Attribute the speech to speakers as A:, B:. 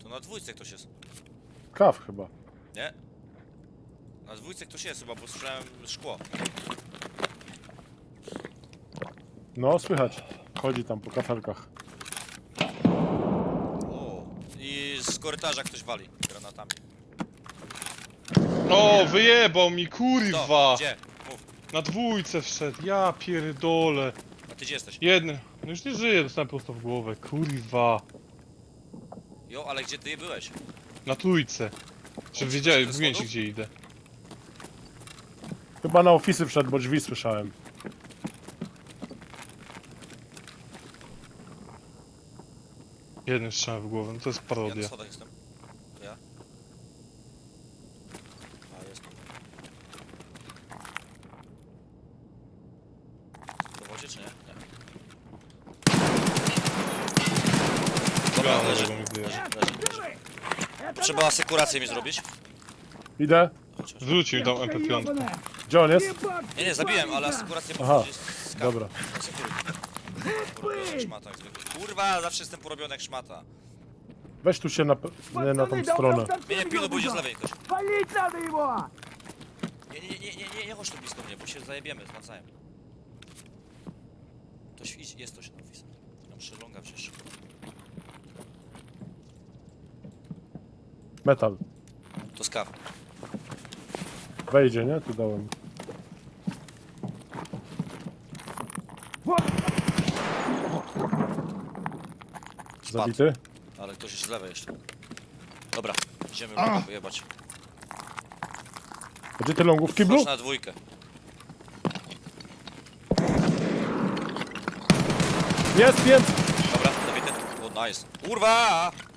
A: To na dwójce ktoś jest.
B: Kaw chyba.
A: Nie? Na dwójce ktoś jest chyba, bo słyszałem szkło.
B: No, słychać. Chodzi tam po kafelkach.
A: O. I z korytarza ktoś wali granatami.
C: O, wyjebał mi,
A: To,
C: kurwa!
A: gdzie? Mów.
C: Na dwójce wszedł, ja pierdolę.
A: A ty gdzie jesteś?
C: Jeden. No już nie żyje, dostałem prosto w głowę, kurwa.
A: Jo, ale gdzie ty byłeś?
C: Na trójce. Czy
A: O,
C: wiedziałem,
A: ze
C: mówiłem ci
A: schodów?
C: gdzie idę.
B: Chyba na ofisy wszedł, bo drzwi słyszałem.
C: Jeden strzał w głowę, no to jest
A: Ja na
C: parodia.
A: schodach jestem. To ja? A, jestem. W wodzie czy nie? Nie. Dobra,
C: Ja
A: leży.
C: tego mi wyjeżdża.
A: Leży. Trzeba asekurację mi zrobić.
B: Idę.
A: Chodź, chodź.
C: Wrócił tam MP5.
B: Gdzie on jest?
A: Nie, zabiłem, ale asekurację muszę
B: Aha,
A: gdzieś z
B: dobra.
A: Asekuruj. Porobiony jak szmata, jak zwykle. Kurwa, zawsze jestem porobiony jak szmata.
B: Weź tu się nie na tą stronę.
A: Mnie nie pilnuj, pójdzie z lewej ktoś.
D: Валить надо его!
A: Nie chodź tu blisko mnie, bo się zajebiemy z Macajem. Ktoś idź, jest ktoś na office. Ja muszę longa wziąć.
B: Metal.
A: To skaw.
B: Wejdzie, nie? Tu dałem.
A: Spadł.
B: Zabity?
A: Ale ktoś jest z lewej jeszcze. Dobra, idziemy longa wyjebać.
B: Gdzie ty longów w kiblu?
A: Wchodź na dwójkę.
B: Jest!
A: Dobra, zabity. O, nice. Kurwa!